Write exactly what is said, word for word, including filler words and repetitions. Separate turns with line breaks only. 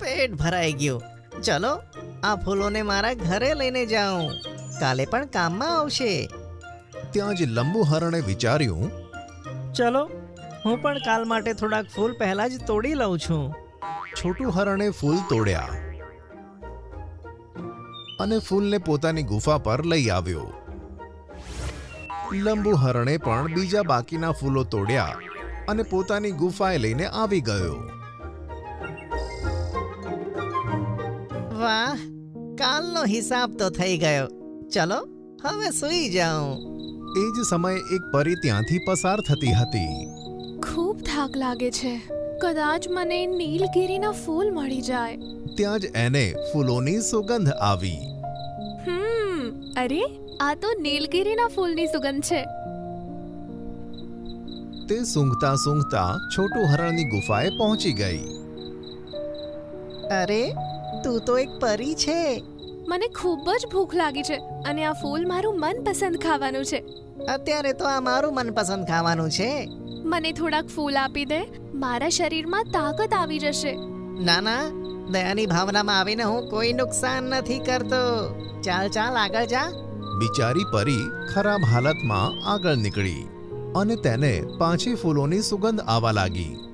પેટ ભરાઈ ગયું. ચલો આ ફૂલોને મારા ઘરે લઈને જાઉં, કાલે પણ કામમાં આવશે.
ત્યાં જ લંબુ હરણે વિચાર્યું,
ચલો હું પણ કાલ માટે થોડાક ફૂલ પહેલા જ તોડી લઉં છું.
છોટું હરણે ફૂલ તોડ્યા અને ફૂલને પોતાની ગુફા પર લઈ આવ્યો. લંબુ હરણે પણ બીજા બાકીના ફૂલો તોડ્યા અને પોતાની ગુફાએ લઈને આવી ગયો.
વાહ, કાલનો હિસાબ તો થઈ ગયો. ચલો હવે સૂઈ જાઉં.
એ જ સમયે એક પરી ત્યાંથી પસાર થતી હતી.
ખૂબ થાક લાગે છે. કદાચ મને નીલગિરીના ફૂલ મળી જાય.
ત્યાં જ એને ફૂલોની સુગંધ આવી.
હમ અરે આ તો નીલગિરીના ફૂલની સુગંધ છે.
તે સૂંઘતા સૂંઘતા છોટું હરણની ગુફાએ પહોંચી ગઈ.
અરે તું તો એક પરી છે.
મને ખૂબ જ ભૂખ લાગી છે અને આ ફૂલ મારું મનપસંદ ખાવાનું છે.
અત્યારે તો આ મારું મનપસંદ ખાવાનું છે.
મને થોડાક ફૂલ આપી દે, મારા શરીરમાં તાકાત આવી જશે.
ના ના, દયાની ભાવનામાં આવીને હું કોઈ નુકસાન નથી કરતો. ચાલ ચાલ આગળ જા.
બિચારી પરી ખરાબ હાલતમાં આગળ નીકળી અને તેને પાછી ફૂલોની સુગંધ આવવા લાગી.